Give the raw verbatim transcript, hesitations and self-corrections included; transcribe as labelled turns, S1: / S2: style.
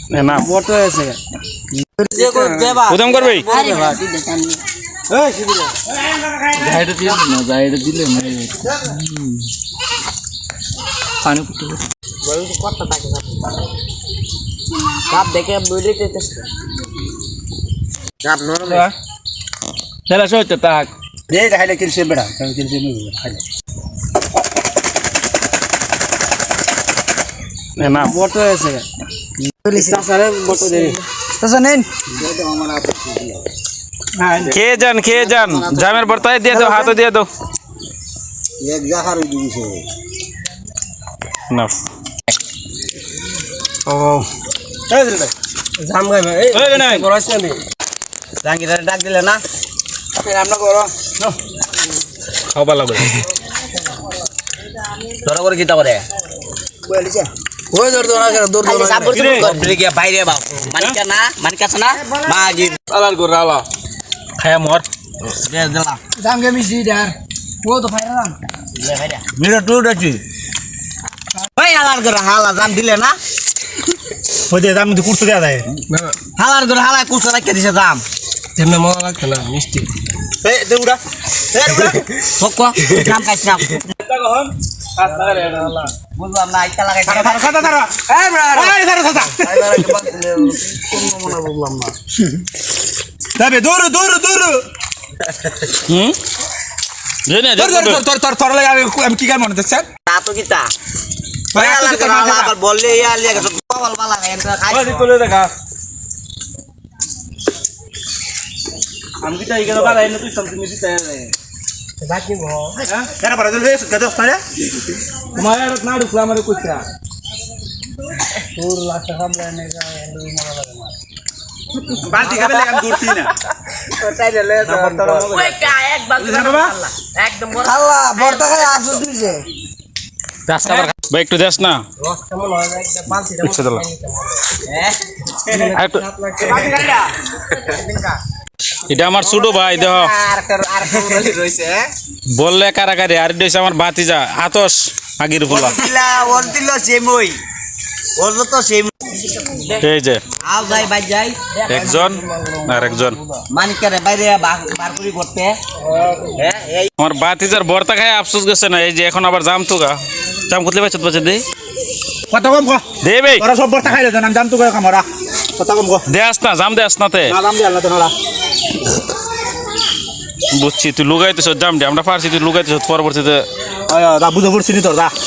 S1: না
S2: বড় আছে
S3: যে কো দেবা
S1: উদম করবে
S3: আরে বাবা তুই দেখান
S2: এই শিবির
S4: জায়গা দিলে না জায়গা দিলে না পানি পুটে
S3: বল তো কত টাকা কাপ দেখে বইলে তেতেছ কাপ নরম
S4: চলা সইতে তাক
S2: এই খাইলে কিলছে বেড়া কিলছে নি খাইলে
S1: না
S2: বড় আছে সাসারে বড় দে সাসা নেন
S1: খেয়ে যান খেয়ে যান জামের বর্তায় দিয়ে দাও হাতে দিয়ে দাও
S2: এক জাহার দিছে
S1: না
S2: ও এই দিলে জাম গায় এই
S1: এই নাই
S2: করছ না জাঙ্গিদারে ডাক দিলে না ফের আমরা করো
S1: খাওয়া লাগবে
S3: ধরা করে কিতা করে
S2: বলিছে
S3: ওই দর দর করে দর দর সাবর তুমি করে গিয়া বাইরে বাপ মানিকা না মানিকা না মাগি
S1: আলার গোরা আলা খায়া মর
S3: দে দিলা
S2: জাম গে মিছি দার ও তো ফাইরাম
S3: দে ভাইরা
S2: মিরা টু ডাচি
S3: ভাই হালার করে হালা জাম দিলে না
S2: ওই যে দাম কুরতে দেয়া যায়
S3: হালার করে হালা কুছ রাখতে দিছে জাম
S2: তেমনে মজা লাগছে না মিষ্টি এই দে উড়া এই উড়া
S3: ফকো জাম খাইছ না বুঝলাম না আইতা লাগাই
S2: সাদা সাদা সাদা এই বড়া এই সাদা সাদা
S3: বুঝলাম না
S2: দাবে দূর দূর দূর
S1: হুম জেনে
S2: তোর তোর তোর তোর তোর লাগে আমি কি গান মনে দেখছেন
S3: তা তো কিতা ভাই হালার করে হালা আবার বললে ইয়া লিয়া গেছে বল বালা এন্টা খাইছ
S1: তুলে দেখা আমি কি তাই গেল বালা এনে তুই সামনে মিছি তাই
S2: বাকি গো হ্যাঁ কেন পারা দিলে গদস পারে
S1: তোমার না ঢুকলা আমারে কইছা
S2: তোর লাখ টাকা লাইনে গা এন্ডি মরা লাগে না বালতি খাবে লাগে আমি দূরছি না
S3: চাইলে লে ওই কা এক বালতি একদম আল্লাহ বড়টা খাই আসুস নিছে
S1: রাস্তা ভাই একটু দেস না
S3: রস কেমন হয় একটা বালতিটা
S1: ইচ্ছে দিলাম
S3: হ্যাঁ
S1: একটু
S3: বাকি গাড়িটা
S1: এটা আমার ছোট ভাই দেখ
S3: আর আর রলি রইছে
S1: বললে কারাকারি আর দেশ আমার বাতিজা আতস আগির ফুলা
S3: দিলা ওর দিল সেমই ওর তো সেম
S1: এই যে
S3: আও যাই বাই যাই
S1: একজন আর একজন
S3: মানিকারে বাইরে বার করি করতে হ্যাঁ এই
S1: আমার বাতিজার বর্তা খায় আফসোস গেছে না এই যে এখন আবার জাম তো গা জাম কুতলে বাচ্চা বাচ্চা দে
S2: কত কম কো
S1: দে ভাই
S2: ওরা সব বর্তা খাইলে জান দাম তো কয় কামরা কত কম কো
S1: দে আস না জাম দে আস নাতে
S2: না দাম দি আল্লাহ তাআলা
S1: বুঝছি তুই লুগাইতেছ জাম দে আমরা পারছি তুই লুগাইতেছ পরবর্তীতে
S2: আয় দা বুঝা পড়ছিনি তোর দা